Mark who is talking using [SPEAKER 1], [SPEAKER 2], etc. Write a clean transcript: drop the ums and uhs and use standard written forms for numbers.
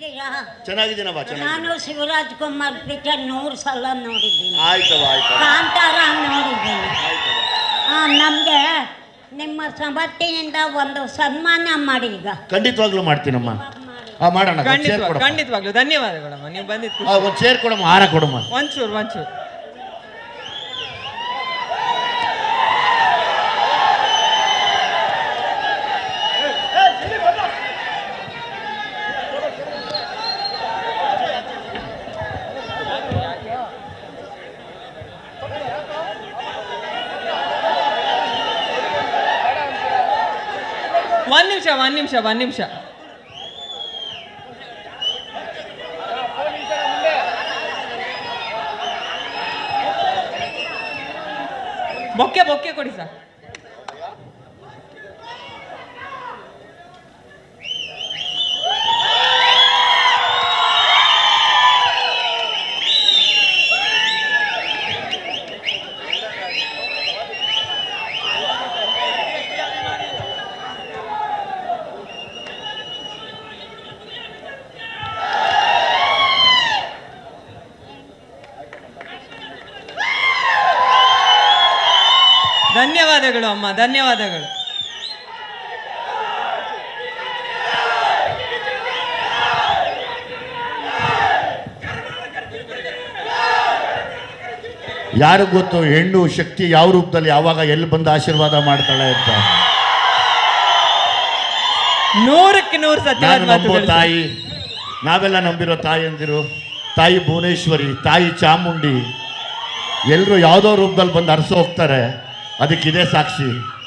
[SPEAKER 1] ಹೇಗಿದ್ದೀರಾ?
[SPEAKER 2] ಚೆನ್ನಾಗಿದ್ದೀನಮ್ಮ,
[SPEAKER 1] ನಾನು ಶಿವರಾಜ್ ಕುಮಾರ್ ಪಿಕ್ಚರ್ 100 ಸಲ ನೋಡಿದ್ದೀನಿ.
[SPEAKER 2] ಆಯ್ತವ ಆಯ್ತು
[SPEAKER 1] ಕಾಂತಾರ ನೋಡಿದ್ದೀನಿ. ನಮಗೆ ನಿಮ್ಮ ಸಮರ್ಥಿಯಿಂದ ಒಂದು ಸನ್ಮಾನ ಮಾಡಿ. ಈಗ
[SPEAKER 2] ಖಂಡಿತವಾಗ್ಲೂ ಮಾಡ್ತೀನಮ್ಮ. ಮಾಡೋಣ.
[SPEAKER 3] ಖಂಡಿತವಾಗ್ಲೂ ಧನ್ಯವಾದಗಳಮ್ಮ, ನೀವು ಬಂದಿದ್ದು.
[SPEAKER 2] ಒಂದು ಚೇರ್ ಕೊಡಮ್ಮ, ಹಾರ ಕೊಡಮ್ಮ.
[SPEAKER 3] ಒಂಚೂರು ಒಂದ್ ನಿಮಿಷ. ಬೊಕ್ಕೆ ಕೊಡಿ ಸರ್. ಧನ್ಯವಾದಗಳು ಅಮ್ಮ, ಧನ್ಯವಾದಗಳು.
[SPEAKER 2] ಯಾರು ಗೊತ್ತು ಹೆಣ್ಣು ಶಕ್ತಿ ಯಾವ ರೂಪದಲ್ಲಿ ಯಾವಾಗ ಎಲ್ಲಿ ಬಂದು ಆಶೀರ್ವಾದ ಮಾಡ್ತಾಳೆ ಅಂತ.
[SPEAKER 3] 100ಕ್ಕೆ 100 ಸತ್ಯವಾದ
[SPEAKER 2] ತಾಯಿ, ನಾವೆಲ್ಲ ನಂಬಿರೋ ತಾಯಿ ಅಂದಿರು, ತಾಯಿ ಭುವನೇಶ್ವರಿ, ತಾಯಿ ಚಾಮುಂಡಿ, ಎಲ್ಲರೂ ಯಾವುದೋ ರೂಪದಲ್ಲಿ ಬಂದು ಅರಸು ಹೋಗ್ತಾರೆ. ಅದಕ್ಕಿದೆ ಸಾಕ್ಷಿ.